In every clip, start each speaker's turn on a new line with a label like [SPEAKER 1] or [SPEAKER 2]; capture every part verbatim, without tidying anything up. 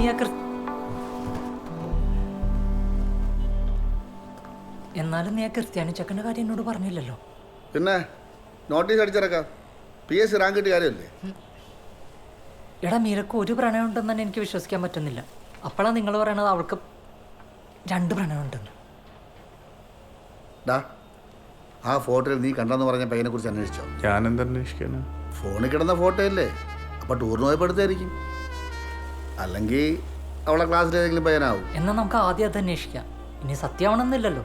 [SPEAKER 1] നീ ആ ക്രിസ് എന്നാലും നീ ആ ക്രിസ്ത്യാനി ചെക്കൻ്റെ കാര്യം എന്നോട് പറഞ്ഞില്ലല്ലോ.
[SPEAKER 2] പിന്നെ നോട്ടീസ് അടിച്ചിറക്കാം. പി എസ് സി റാങ്ക് കിട്ടിയ കാര്യമല്ലേ?
[SPEAKER 1] എടാ മീരക്ക് ഒരു പ്രണയം ഉണ്ടെന്ന് തന്നെ എനിക്ക് വിശ്വസിക്കാൻ പറ്റുന്നില്ല. അപ്പോഴാണ് നിങ്ങൾ പറയണത് അവൾക്ക് രണ്ട് പ്രണയം ഉണ്ടെന്ന്.
[SPEAKER 2] ഡാ, ആ ഫോട്ടോയിൽ നീ കണ്ടെന്ന് പറഞ്ഞ പയ്യനെ കുറിച്ച് അന്വേഷിച്ചോ?
[SPEAKER 3] ഞാൻ എന്താ അന്വേഷിക്കാന്?
[SPEAKER 2] ഫോണിൽ കിടന്ന ഫോട്ടോ അല്ലേ? അപ്പോൾ ടൂറിന് പോയപ്പോൾ എടുത്തായിരിക്കും. അല്ലെങ്കിൽ അവളെ ക്ലാസ്സിൽ ഏതെങ്കിലും പയ്യനാവും.
[SPEAKER 1] എന്നാൽ നമുക്ക് ആദ്യം അത് അന്വേഷിക്കാം. ഇനി സത്യമാണെന്നില്ലല്ലോ.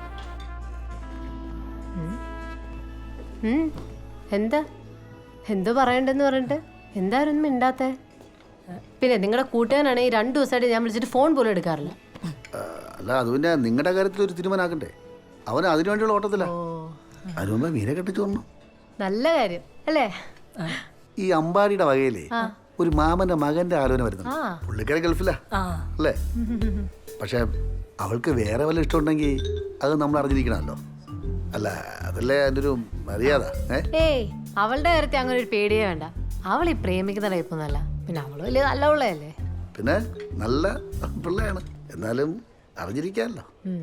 [SPEAKER 4] എന്താ എന്തോ പറയണ്ടെന്ന് പറഞ്ഞിട്ട് എന്തായാലും മിണ്ടാത്തേ? പിന്നെ നിങ്ങളുടെ കൂട്ടുകാരനാണ് ഈ രണ്ടു ദിവസമായിട്ട് ഞാൻ വിളിച്ചിട്ട് ഫോൺ പോലും എടുക്കാറില്ല.
[SPEAKER 2] അല്ല, അത് പിന്നെ നിങ്ങളുടെ കാര്യത്തിൽ ഒരു തീരുമാനമാക്കണ്ടേ? അവൻ അതിനു വേണ്ടിയുള്ള ഓട്ടത്തില്ല. അതിനു മുമ്പേ മീനെ കെട്ടിച്ചു വന്നു.
[SPEAKER 4] നല്ല കാര്യം അല്ലേ?
[SPEAKER 2] ഈ അമ്പാടിയുടെ വകയിലേ ഒരു മാമന്റെ മകന്റെ ആലോചന വരുന്നു. പുള്ളിക്കാരെ ഗൾഫിലാ അല്ലേ? പക്ഷെ അവൾക്ക് വേറെ വല്ല ഇഷ്ടമുണ്ടെങ്കിൽ അത് നമ്മൾ അറിഞ്ഞിരിക്കണമല്ലോ. അല്ല, അതല്ലേ എൻ്റെ ഒരു മര്യാദ.
[SPEAKER 4] ഏയ് അവളുടെ കാര്യത്തിൽ അങ്ങനെ ഒരു പേടിയേ വേണ്ട. അവൾ ഈ പ്രേമിക്കുന്ന ടൈപ്പൊന്നല്ല. പിന്നെ അവള് വലിയ നല്ല പിള്ളയല്ലേ?
[SPEAKER 2] പിന്നെ നല്ല പിള്ളയാണ്, എന്നാലും അറിഞ്ഞിരിക്കാമല്ലോ.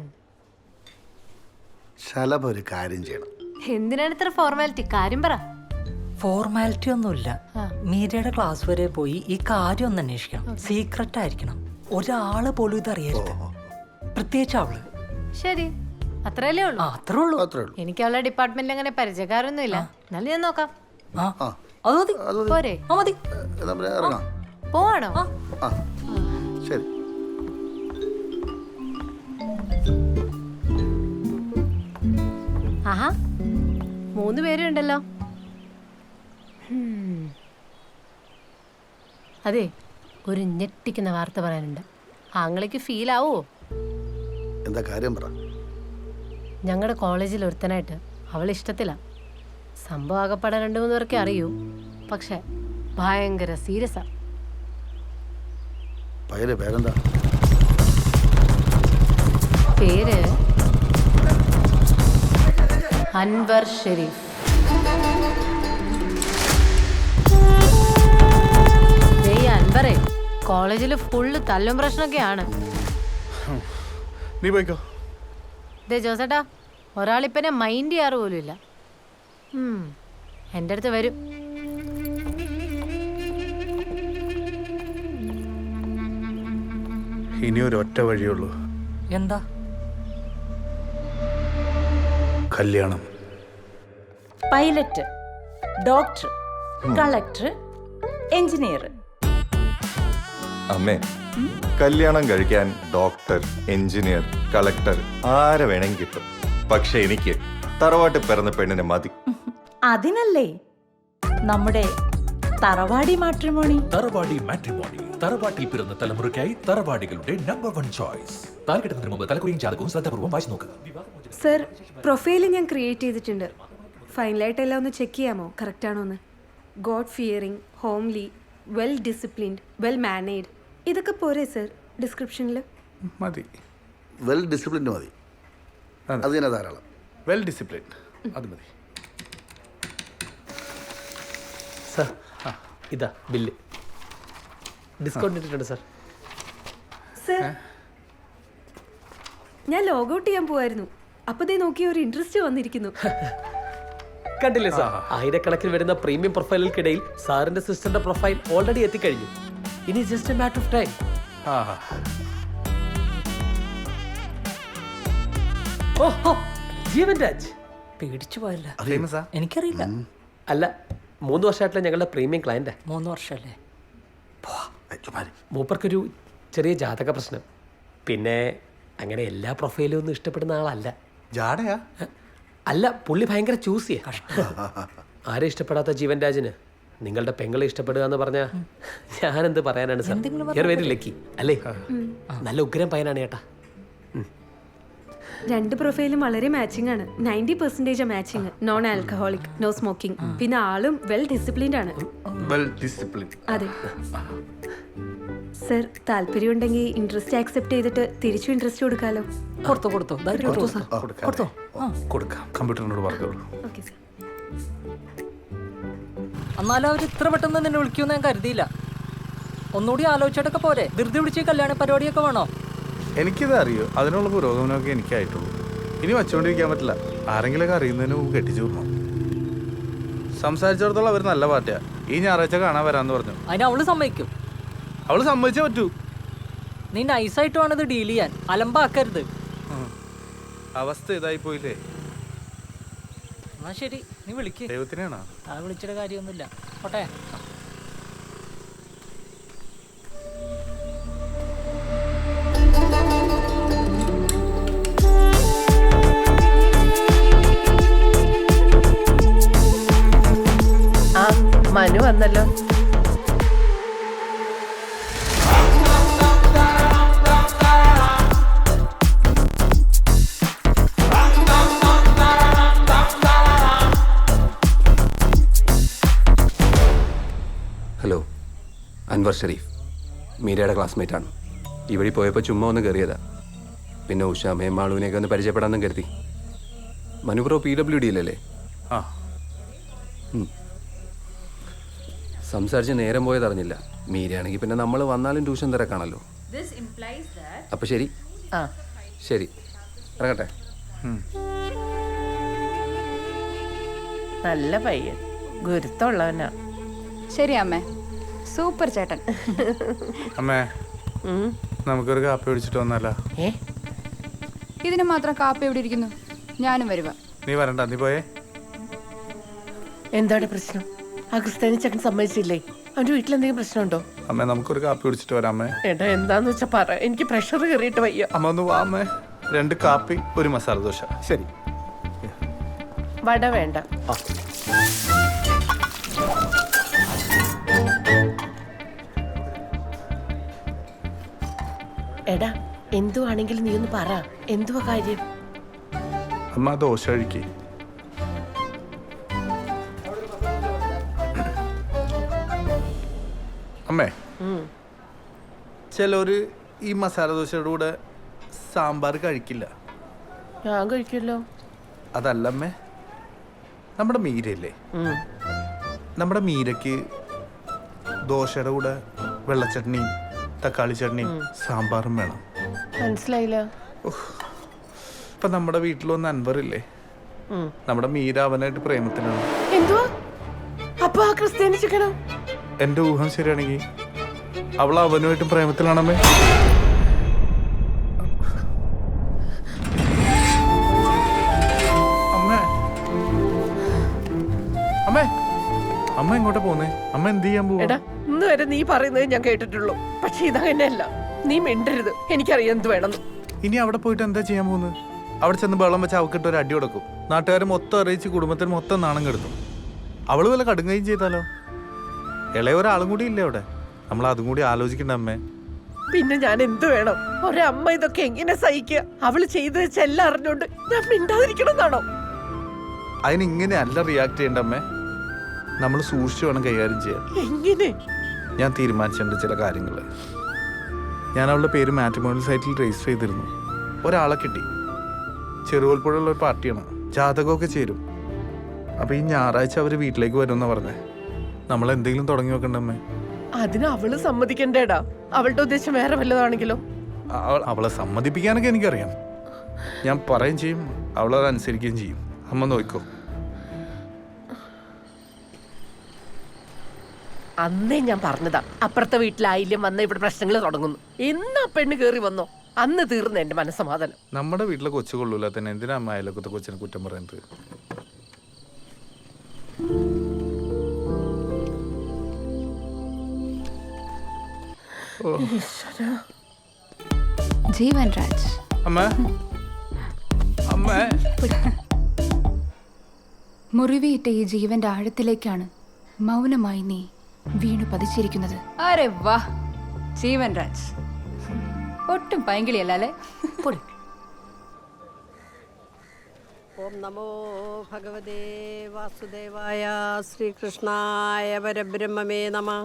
[SPEAKER 2] ശലഭ ഒരു കാര്യം ചെയ്യണം.
[SPEAKER 4] എന്തിനാണ് ഇത്ര ഫോർമാലിറ്റി? കാര്യം പറ.
[SPEAKER 1] ഫോർമാലിറ്റി ഒന്നുമില്ല. മീരയുടെ ക്ലാസ് വരെ പോയി ഈ കാര്യം ഒന്ന് അന്വേഷിക്കണം. സീക്രട്ട് ആയിരിക്കണം. ഒരാള് പോലും ഇത് അറിയരുത്, പ്രത്യേകിച്ച് അവള്.
[SPEAKER 4] ശരി, അത്രയല്ലേ ഉള്ളൂ?
[SPEAKER 1] അത്രേ ഉള്ളൂ.
[SPEAKER 4] എനിക്ക് അവളുടെ ഡിപ്പാർട്ട്മെന്റിൽ അങ്ങനെ പരിചയക്കാരൊന്നും ഇല്ല. എന്നാലും ഞാൻ നോക്കാം.
[SPEAKER 1] അത് മതി.
[SPEAKER 4] പോരെ?
[SPEAKER 1] മതി.
[SPEAKER 2] ഇറങ്ങാം.
[SPEAKER 4] പോവാണോ?
[SPEAKER 2] ആ ശരി.
[SPEAKER 4] ആഹാ, മൂന്ന് പേരും ഉണ്ടല്ലോ. അതെ, ഒരു ഞെട്ടിക്കുന്ന വാർത്ത പറയാനുണ്ട്. ആങ്ങളേക്ക് ഫീൽ ആവോ?
[SPEAKER 2] എന്താ കാര്യം പറ.
[SPEAKER 4] ഞങ്ങളുടെ കോളേജിൽ ഒരുത്തനായിട്ട് അവൾ ഇഷ്ടത്തില്ല. സംഭവം ആകപ്പാടെ രണ്ടു മൂന്ന് പേർക്കേ അറിയൂ. പക്ഷെ ഭയങ്കര സീരിയസാ.
[SPEAKER 2] പയ്യന്റെ പേരെന്താ?
[SPEAKER 4] പേര് അൻവർ ഷെരീഫ്. അൻവറേ കോളേജിൽ ഫുള്ള് തല്ലും പ്രശ്നമൊക്കെയാണ്.
[SPEAKER 3] നീ പോയിക്കോ.
[SPEAKER 4] ദേ ജോസേട്ടാ, ഒരാളിപ്പനെ മൈൻഡ് ചെയ്യാറ് പോലും ഇല്ല. എൻ്റെ അടുത്ത് വരും.
[SPEAKER 3] ഇനി ഒരു ഒറ്റ വഴിയുള്ളൂ.
[SPEAKER 1] എന്താ?
[SPEAKER 3] കല്യാണം.
[SPEAKER 5] Pilot, doctor, collector, engineer.
[SPEAKER 6] അമ്മേ, കല്യാണം കഴിക്കാൻ ഡോക്ടർ, എഞ്ചിനീയർ, കളക്ടർ ആരെ വേണമെങ്കിൽ കിട്ടും. പക്ഷെ എനിക്ക് തറവാട്ട് പിറന്ന പെണ്ണിനെ മതി.
[SPEAKER 5] അതിനല്ലേ നമ്മുടെ തറവാടി മാട്രിമോണി.
[SPEAKER 7] തറവാടി മാട്രിമോണി. തറവാട്ടിൽ പിറന്ന തലമുറയ്ക്കായി തറവാടികളുടെ നമ്പർ വൺ ചോയ്സ്. താൽക്കെട്ടുന്നതിന് മുമ്പ് തലക്കുറിയും ജാതകവും ശ്രദ്ധാപൂർവ്വം വായിച്ചു നോക്കുക.
[SPEAKER 8] സർ, പ്രൊഫൈൽ ഞാൻ ക്രിയേറ്റ് ചെയ്തിട്ടുണ്ട്. ഫൈനലായിട്ട് എല്ലാം ഒന്ന് ചെക്ക് ചെയ്യാമോ, കറക്റ്റ് ആണോ എന്ന്? God fearing, homely, well disciplined, well mannered, ഇതൊക്കെ പോരെ സർ ഡിസ്ക്രിപ്ഷനിൽ?
[SPEAKER 3] മതി.
[SPEAKER 2] വെൽ ഡിസിപ്ലിൻഡ് മതി. അത് തന്നെ ധാരാളം.
[SPEAKER 3] വെൽ ഡിസിപ്ലിൻഡ് അത് മതി.
[SPEAKER 9] സാർ, ഇതാ ബില്ല്. ഡിസ്കൗണ്ട് ഇട്ടിട്ടുണ്ട് സാർ.
[SPEAKER 8] സർ, ഞാൻ ലോഗൗട്ട് ചെയ്യാൻ പോവായിരുന്നു. അപ്പൊ ദേ നോക്കി ഒരു ഇൻട്രസ്റ്റ് വന്നിരിക്കുന്നു.
[SPEAKER 9] കണ്ടില്ലേ സാർ, ആയിരക്കണക്കിന് വരുന്ന പ്രീമിയം പ്രൊഫൈലുകൾക്കിടയിൽ സാറിന്റെ സിസ്റ്ററിന്റെ പ്രൊഫൈൽ ഓൾറെഡി എത്തിക്കഴിഞ്ഞു. ഇനി just a matter of time. ഓഹോ, ജീവൻ രാജ്
[SPEAKER 1] പേടിച്ചു പോയല്ല.
[SPEAKER 3] ഫേമസാ?
[SPEAKER 1] എനിക്കറിയില്ല.
[SPEAKER 9] അല്ല, മൂന്ന് വർഷമായിട്ടുള്ള ഞങ്ങളുടെ പ്രീമിയം ക്ലയന്റ്.
[SPEAKER 1] മൂന്ന് വർഷമല്ലേ?
[SPEAKER 9] മൂപ്പർക്കൊരു ചെറിയ ജാതക പ്രശ്നം. പിന്നെ അങ്ങനെ എല്ലാ പ്രൊഫൈലും ഒന്നും ഇഷ്ടപ്പെടുന്ന ആളല്ല.
[SPEAKER 3] ജാടയാ?
[SPEAKER 9] അല്ല, പുള്ളി ഭയങ്കര ചൂസ് ചെയ്യാ. ആരെ ഇഷ്ടപ്പെടാത്ത ജീവൻ രാജിന് നിങ്ങളുടെ പെങ്ങളെ ഇഷ്ടപ്പെടുക എന്ന് പറഞ്ഞാ ഞാനെന്ത് പറയാനാണ് sir? You are very lucky അല്ലേ? നല്ല ഉഗ്രം പയ്യനാണ് ചേട്ടാ.
[SPEAKER 8] രണ്ട് പ്രൊഫൈലും വളരെ മാച്ചിങ് ആണ്. Ninety percentage matching. Non alcoholic, no smoking, പിന്നെ ആളും വെൽ ഡിസിപ്ലിൻഡ് ആണ്.
[SPEAKER 3] Well discipline.
[SPEAKER 8] അതെ സർ, താല്പര്യമുണ്ടെങ്കിൽ ഇൻട്രസ്റ്റ് ആക്സെപ്റ്റ് ചെയ്തിട്ട് തിരിച്ചു ഇൻട്രസ്റ്റ് കൊടുക്കാലോ.
[SPEAKER 1] കൊടുത്തോ കൊടുത്തോ കൊടുത്തോ.
[SPEAKER 3] കൊടുക്കാം. കമ്പ്യൂട്ടറിനോട് പറഞ്ഞോളൂ.
[SPEAKER 8] Okay sir.
[SPEAKER 1] എന്നാലും അവർ ഇത്ര പെട്ടെന്ന് നിന്നെ വിളിക്കുമെന്ന് ഞാൻ കരുതിയില്ല. ഒന്നുകൂടി ആലോചിച്ചിട്ടൊക്കെ പോരെ? ധൃതി പിടിച്ച് കല്യാണ പരിപാടിയൊക്കെ വേണോ?
[SPEAKER 3] എനിക്കിത് അറിയോ, അതിനുള്ള പുരോഗമനമൊക്കെ എനിക്കായിട്ടുള്ളൂ. ഇനി വച്ചുകൊണ്ടിരിക്കാൻ പറ്റില്ല. ആരെങ്കിലൊക്കെ അറിയുന്നതിന് മുമ്പ് കെട്ടിച്ചു വിടണം. സംസാരിച്ചിടത്തോളം അവർ നല്ല പാർട്ടിയാ. ഈ ഞായറാഴ്ച കാണാൻ വരാന്ന് പറഞ്ഞു.
[SPEAKER 1] അതിന് അവള് സമ്മതിക്കും.
[SPEAKER 3] അവള് സമ്മതിച്ചേ പറ്റൂ.
[SPEAKER 1] നീ നൈസായിട്ട് വേണം ഇത് ഡീൽ ചെയ്യാൻ, അലമ്പാക്കരുത്.
[SPEAKER 3] അവസ്ഥ ഇതായി പോയില്ലേ.
[SPEAKER 1] എന്നാ ശരി, നീ വിളിക്ക്.
[SPEAKER 3] ദൈവത്തിനാണോ?
[SPEAKER 1] ആ വിളിച്ചിട്ട് കാര്യമൊന്നുമില്ല. പോട്ടെ.
[SPEAKER 4] ആ മനു വന്നല്ലോ.
[SPEAKER 9] ഹലോ, അൻവർ ഷെരീഫ്, മീരയുടെ ക്ലാസ്മേറ്റ് ആണ്. ഈ വഴി പോയപ്പോൾ ചുമ്മാ ഒന്ന് കയറിയതാ. പിന്നെ ഉഷാമയും മാളുവിനെയൊക്കെ ഒന്ന് പരിചയപ്പെടാമെന്നും കരുതി. മനു ബ്രോ പി ഡബ്ല്യു ഡിയിലല്ലേ?
[SPEAKER 3] ആ,
[SPEAKER 9] സംസാരിച്ച് നേരം പോയത് അറിഞ്ഞില്ല. മീരയാണെങ്കിൽ പിന്നെ നമ്മൾ വന്നാലും ട്യൂഷൻ തിരക്കാണല്ലോ. അപ്പൊ ശരി.
[SPEAKER 4] ആ
[SPEAKER 9] ശരി, ഇറങ്ങട്ടെ.
[SPEAKER 4] നല്ല പയ്യൻ, ഗുരുത്തമുള്ളവനാ.
[SPEAKER 10] ശരി അമ്മേ, സൂപ്പർ ചേട്ടൻ.
[SPEAKER 3] അമ്മേ, നമുക്കൊരു കാപ്പി പിടിച്ചിട്ട് വന്നല്ല.
[SPEAKER 4] ഏ
[SPEAKER 10] ഇതിന് മാത്രം കാപ്പി എവിടെ ഇരിക്കുന്നു? ഞാനും വരുക.
[SPEAKER 3] നീ വരണ്ട, നീ പോയേ.
[SPEAKER 4] എന്താണ് പ്രശ്നം? ആ ക്രിസ്ത്യാനി ചക്കൻ സമ്മതിച്ചില്ലേ? അവന്റെ വീട്ടിലെന്തെങ്കിലും പ്രശ്നമുണ്ടോ?
[SPEAKER 3] അമ്മേ, നമുക്കൊരു കാപ്പി പിടിച്ചിട്ട് വരാം. അമ്മേ,
[SPEAKER 4] ഏട്ടാ എന്താന്ന് വെച്ചാ പറ, എനിക്ക് പ്രഷർ കയറിയിട്ട് വയ്യ.
[SPEAKER 3] അമ്മ ഒന്ന് വാ. അമ്മേ, രണ്ട് കാപ്പി, ഒരു മസാല ദോശ. ശരി.
[SPEAKER 4] വട വേണ്ട. എടാ, എന്തുവാണെങ്കിലും നീ ഒന്ന് പറ, എന്തുവാ കാര്യം?
[SPEAKER 3] അമ്മ ദോശ കഴിക്കേ. അമ്മേ, ചിലര് ഈ മസാല ദോശയുടെ കൂടെ സാമ്പാർ കഴിക്കില്ല.
[SPEAKER 4] ഞാൻ കഴിക്കല്ലോ.
[SPEAKER 3] അതല്ല അമ്മേ, നമ്മുടെ മീരയില്ലേ, നമ്മുടെ മീരയ്ക്ക് ദോശയുടെ കൂടെ വെള്ളച്ചട്നിയും തക്കാളി ചട്നിയും സാമ്പാറും വേണം.
[SPEAKER 4] മനസ്സിലായില്ല.
[SPEAKER 3] ഇപ്പൊ നമ്മുടെ വീട്ടിലൊന്ന് അൻവറില്ലേ, നമ്മുടെ മീര അവനായിട്ട് പ്രേമത്തിലാണ്.
[SPEAKER 4] എന്തുവാ? അപ്പൊ ആ ക്രിസ്ത്യാനി ചിക്കനോ?
[SPEAKER 3] എന്റെ ഊഹം ശരിയാണെങ്കിൽ അവൾ അവനുമായിട്ടും പ്രേമത്തിലാണമ്മേ. അമ്മേ, അമ്മേ, അമ്മ എങ്ങോട്ടാ പോന്നേ? അമ്മ എന്ത് ചെയ്യാൻ പോവാ?
[SPEAKER 4] എടാ, ഇന്ന് വരെ നീ പറയുന്നത് ഞാൻ കേട്ടിട്ടുള്ളൂ. പക്ഷെ ഇതങ്ങനെയല്ല. നീ മിണ്ടരുത്, എനിക്കറിയാം എന്ത് വേണമെന്ന്.
[SPEAKER 3] ഇനി അവിടെ പോയിട്ട് എന്താ ചെയ്യാൻ പോകുന്നത്? അവിടെ ചെന്ന് വെള്ളം വെച്ച് അവക്കിട്ട് ഒരു അടി കൊടുക്കും. നാട്ടുകാരെ മൊത്തം അറിയിച്ച് കുടുംബത്തിന് മൊത്തം നാണം കെടുത്തും. അവള് വല്ല കടുങ്ങയും ചെയ്താലോ? ഇളയ ഒരാളും കൂടി ഇല്ലേ അവിടെ? നമ്മൾ അതും കൂടി ആലോചിക്കണ്ട അമ്മേ.
[SPEAKER 4] പിന്നെ ഞാൻ എന്ത് വേണം? ഒരമ്മ ഇതൊക്കെ എങ്ങനെ സഹിക്കുക? അവള് ചെയ്തു വെച്ച എല്ലാം അറിഞ്ഞോണ്ട് ഞാൻ മിണ്ടാതിരിക്കണം എന്നാണോ?
[SPEAKER 3] അതിന് ഇങ്ങനെ അല്ല റിയാക്ട് ചെയ്യണ്ട അമ്മേ. നമ്മൾ സൂക്ഷിച്ചു വേണം കൈകാര്യം ചെയ്യാൻ.
[SPEAKER 4] എങ്ങനെ?
[SPEAKER 3] ഞാൻ തീരുമാനിച്ചിട്ടുണ്ട് ചില കാര്യങ്ങൾ. ഞാൻ അവളുടെ പേര് മാട്രിമോണിയൽ സൈറ്റിൽ രജിസ്റ്റർ ചെയ്തിരുന്നു. ഒരാളെ കിട്ടി. ചെറുകോൽപ്പുഴയുള്ള ഒരു പാർട്ടിയാണ്. ജാതകമൊക്കെ ചേരും. അപ്പോൾ ഈ ഞായറാഴ്ച അവർ വീട്ടിലേക്ക് വരുമെന്നാണ് പറഞ്ഞത്. നമ്മൾ എന്തെങ്കിലും തുടങ്ങി വെക്കണ്ടമ്മേ.
[SPEAKER 4] അതിന് അവള് സമ്മതിക്കണ്ടേടാ. അവളുടെ ഉദ്ദേശം വേറെ വല്ലതാണെങ്കിലോ?
[SPEAKER 3] അവളെ സമ്മതിപ്പിക്കാനൊക്കെ എനിക്കറിയാം. ഞാൻ പറയുകയും ചെയ്യും, അവളത് അനുസരിക്കുകയും ചെയ്യും. അമ്മ നോക്കോ.
[SPEAKER 4] അന്നേ ഞാൻ പറഞ്ഞതാ, അപ്പുറത്തെ വീട്ടിലായില്യം വന്ന ഇവിടെ പ്രശ്നങ്ങൾ തുടങ്ങുന്നു. എന്നാ പെണ്ണ് കേറി വന്നോ അന്ന് തീർന്നു എന്റെ മനസ്സമാധാനം.
[SPEAKER 3] നമ്മുടെ വീട്ടിലെ കൊച്ചു കൊള്ളൂല തന്നെ എന്തിനാ അമ്മ അയലൊക്കത്തെ കൊച്ചിനെ കുറ്റം പറയുന്നത്?
[SPEAKER 10] ജീവൻ രാജ്,
[SPEAKER 3] അമ്മ, അമ്മ,
[SPEAKER 10] മുറിവേറ്റ ഈ ജീവന്റെ ആഴത്തിലേക്കാണ് മൗനമായി നീ വീണു പതിച്ചിരിക്കുന്നത്. അരെ വാ, ജീവൻ രാജ് ഒട്ടും പൈങ്കിളിയല്ല അല്ലേ?
[SPEAKER 11] ഓം നമോ ഭഗവതേ വാസുദേവായ ശ്രീകൃഷ്ണായ പരബ്രഹ്മമേ നമഃ.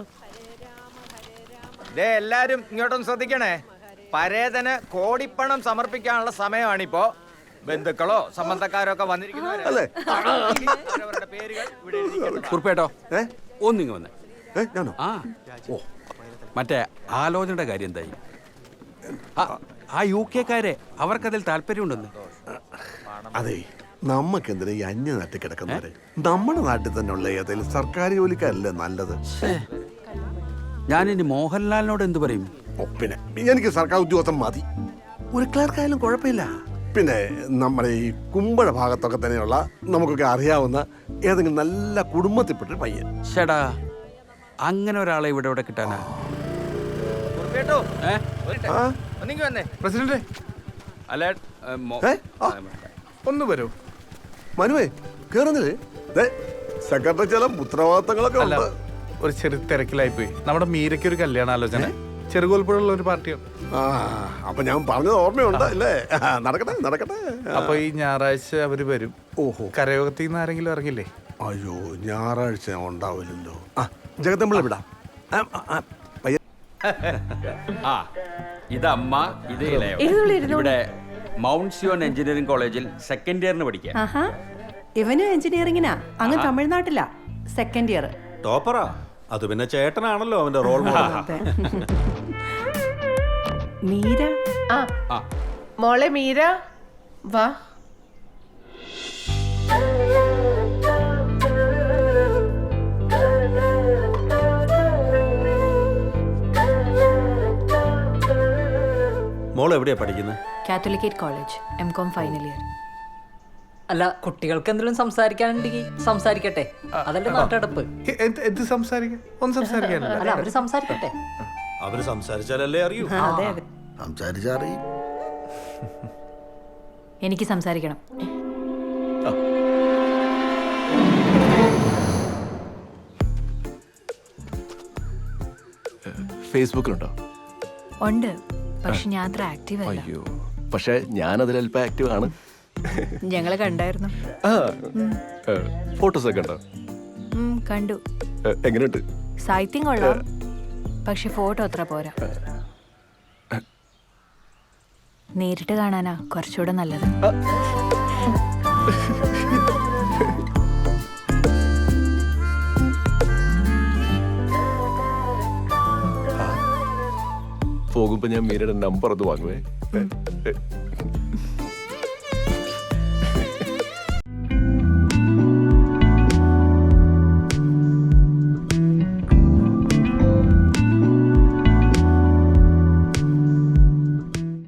[SPEAKER 12] എല്ലാരും ഇങ്ങോട്ടൊന്ന് ശ്രദ്ധിക്കണേ. പരേതന് കോടിപ്പണം സമർപ്പിക്കാനുള്ള സമയമാണിപ്പോ. ബന്ധുക്കളോ സംബന്ധക്കാരോ ഒക്കെ വന്നിരിക്കുന്നവരല്ലേ? അവരവരുടെ പേരുകൾ ഇവിടെ എഴുതിക്കണം.
[SPEAKER 13] കുറുപ്പേട്ടോ, ഒന്നിങ്ങ് വന്നേ. ആ ഓ മറ്റേ ആലോചനയുടെ കാര്യം എന്തായി? ആ- ആ യു കെക്കാരെ അവർക്കതിൽ താല്പര്യമുണ്ടെന്ന്.
[SPEAKER 14] അതെ, നമുക്കെന്തിനാ ഈ അന്യ നാട്ടിൽ കിടക്കുന്നവരെ? നമ്മുടെ നാട്ടിൽ തന്നെ ഉള്ള ഏതെങ്കിലും സർക്കാർ ജോലിക്കാരല്ലേ നല്ലത്?
[SPEAKER 13] ഞാനിനി മോഹൻലാലിനോട് എന്ത് പറയും?
[SPEAKER 14] ഓ, പിന്നെ എനിക്ക് സർക്കാർ ഉദ്യോഗസ്ഥൻ മതി. ഒരു ക്ലർക്കായാലും കുഴപ്പമില്ല. പിന്നെ നമ്മുടെ ഈ കുമ്പഴ ഭാഗത്തൊക്കെ തന്നെയുള്ള നമുക്കൊക്കെ അറിയാവുന്ന ഏതെങ്കിലും നല്ല കുടുംബത്തിൽപ്പെട്ടൊരു പയ്യൻ.
[SPEAKER 13] ഷടാ, അങ്ങനെ ഒരാളെ ഇവിടെ ഇവിടെ കിട്ടാനാ?
[SPEAKER 3] പ്രസിഡന്റ്
[SPEAKER 13] അല്ല, ഏ, മോ-
[SPEAKER 14] ഏ? ആ,
[SPEAKER 3] ഒന്ന് വരൂ.
[SPEAKER 14] മനുവേ കേറുന്നില്ലേ? ദേ, സെക്രട്ടറി ചില ഉത്തരവാദിത്തങ്ങളൊക്കെ
[SPEAKER 3] അല്ല,
[SPEAKER 14] ഉണ്ട്.
[SPEAKER 3] ഒരു ചെറിയ തിരക്കിലായി പോയി. നമ്മുടെ മീരയ്ക്ക് ഒരു കല്യാണ ആലോചന ചെറുകോൽപ്പുഴയുള്ള ഒരു പാർട്ടിയാണ്.
[SPEAKER 14] ആ, അപ്പൊ ഞാൻ പറഞ്ഞത് ഓർമ്മയുണ്ട് അല്ലേ? നടക്കട്ടെ നടക്കട്ടെ.
[SPEAKER 3] അപ്പൊ ഈ ഞായറാഴ്ച അവര് വരും.
[SPEAKER 14] ഓഹോ,
[SPEAKER 3] കരയോഗത്തിൽ നിന്ന് ആരെങ്കിലും ഇറങ്ങില്ലേ?
[SPEAKER 14] അയ്യോ, ഞായറാഴ്ച ഉണ്ടാവില്ലല്ലോ. ആ, ജഗത്തമ്പിള വിടാം. ആ, ആ, ആ, പയ്യൻ.
[SPEAKER 13] ആ, ഇത് അമ്മ, ഇത് ഇളയവൻ.
[SPEAKER 5] ഇരുന്നോളൂ, ഇരുന്നോളൂ.
[SPEAKER 13] ഇവിടെ മൗണ്ട് സിയോൺ എഞ്ചിനീയറിംഗ് കോളേജിൽ സെക്കൻഡ് ഇയറിന് പഠിക്കുക.
[SPEAKER 5] ആഹാ, ഇവനും എഞ്ചിനീയറിംഗിനാ. അങ്ങ് തമിഴ്നാട്ടിലാ, സെക്കൻഡ് ഇയർ.
[SPEAKER 6] ടോപ്പറാ. അത് പിന്നെ ചേട്ടനാണല്ലോ അവന്റെ റോൾ മോഡൽ.
[SPEAKER 5] മീര,
[SPEAKER 4] ആ മോളെ മീര വാ.
[SPEAKER 6] മോൾ എവിടെയാ പഠിക്കുന്നത്?
[SPEAKER 10] Catholicate college, M com final year.
[SPEAKER 1] അല്ല, കുട്ടികൾക്ക് എന്തെങ്കിലും സംസാരിക്കാനുണ്ടെങ്കിൽ സംസാരിക്കട്ടെ. അതല്ലേ നാട്ടടപ്പ്.
[SPEAKER 3] എ- എന്ത് എന്ത് സംസാരിക്കാൻ? ഒന്നും സംസാരിക്കാനില്ല.
[SPEAKER 1] അല്ല, അവര് സംസാരിക്കട്ടെ.
[SPEAKER 6] അവര് സംസാരിച്ചാലല്ലേ അറിയൂ.
[SPEAKER 5] അതെ അതെ.
[SPEAKER 2] സംസാരിച്ചറിയും.
[SPEAKER 10] എനിക്ക് സംസാരിക്കണം.
[SPEAKER 15] ഫേസ്ബുക്കിലുണ്ടോ?
[SPEAKER 10] ഉണ്ട്, പക്ഷെ ഞാൻ അത്ര ആക്റ്റീവ് അല്ല.
[SPEAKER 15] അയ്യോ, പക്ഷെ ഞാൻ അതിൽ അല്പം ആക്റ്റീവ് ആണ്.
[SPEAKER 10] ഞങ്ങളെ കണ്ടായിരുന്നു.
[SPEAKER 15] ഫോട്ടോസ് ഒക്കെ ഉണ്ടോ?
[SPEAKER 10] ഉം, കണ്ടു.
[SPEAKER 15] ഏ, എങ്ങനെയുണ്ട്?
[SPEAKER 10] സാഹിത്യം കൊള്ളാം, പക്ഷെ ഫോട്ടോ അത്ര പോരാ. നേരിട്ട് കാണാനാ കുറച്ചുകൂടെ നല്ലത്.
[SPEAKER 15] പോകുമ്പോ ഞാൻ മീരയുടെ നമ്പർ ഒന്ന് വാങ്ങുവേ.